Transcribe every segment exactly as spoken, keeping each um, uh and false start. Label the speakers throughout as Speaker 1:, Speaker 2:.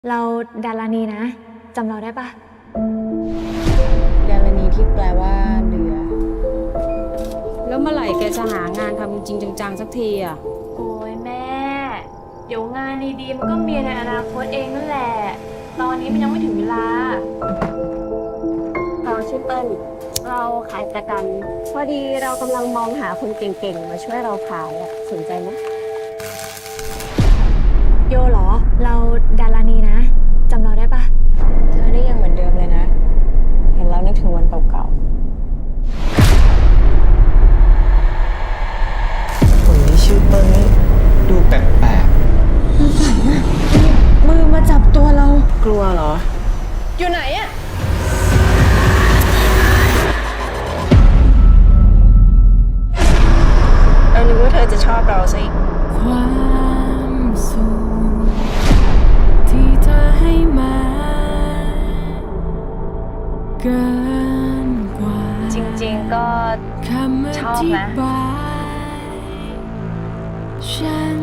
Speaker 1: เราดารานีนะจำเราได้ปะ
Speaker 2: ดารณีที่แปลว่าเรือ
Speaker 3: แล้วเมื่อไหร่แกจะหางานทำจริงจังๆสักทีอ่ะ
Speaker 1: โอ้ยแม่ เดี๋ยวงานดีๆมันก็มีในอนาคตเองนั่นแหละ ตอนนี้มันยังไม่ถึงเวลา
Speaker 4: เราชื่อเปิ้ลเราขายประกัน พอดีเรากำลังมองหาคนเก่งๆ มาช่วยเราขายอะสนใจไหม
Speaker 1: โยเหรอ เราดารานีนะจำเราได้ปะ
Speaker 2: เธอนี่ยังเหมือนเดิมเลยนะ เห็นแล้วนึกถึงวันเก่าๆ
Speaker 5: คนที่ชื่อเปิ้ลนี่ดูแปลก
Speaker 2: มือมาจับตัวเรา กลัวเหรอ อยู่ไหนอะเรานึกว่าเธอจะชอบเราซะอีก
Speaker 3: ความสุขที่เธอให้มาเกินกว่า
Speaker 1: จริงๆก็
Speaker 3: คำอ
Speaker 1: ชอบ
Speaker 3: ธิ
Speaker 1: นะ
Speaker 3: บายฉัน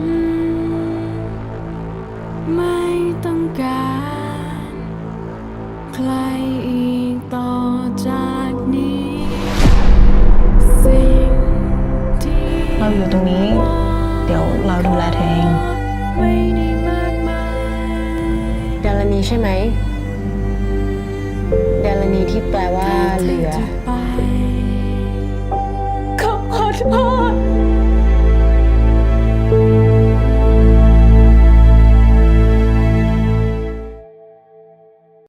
Speaker 3: ไม่ต้องการใครอีกต่อจากนี้สิ่งที่
Speaker 2: เราอยู่ตรงนี้ เดี๋ยวเราดูแลเธอเอง
Speaker 3: ไม่ได้มากมาย
Speaker 2: ดารณีใช่ไหม ดารณีที่แปลว่าเรือ
Speaker 3: จะไป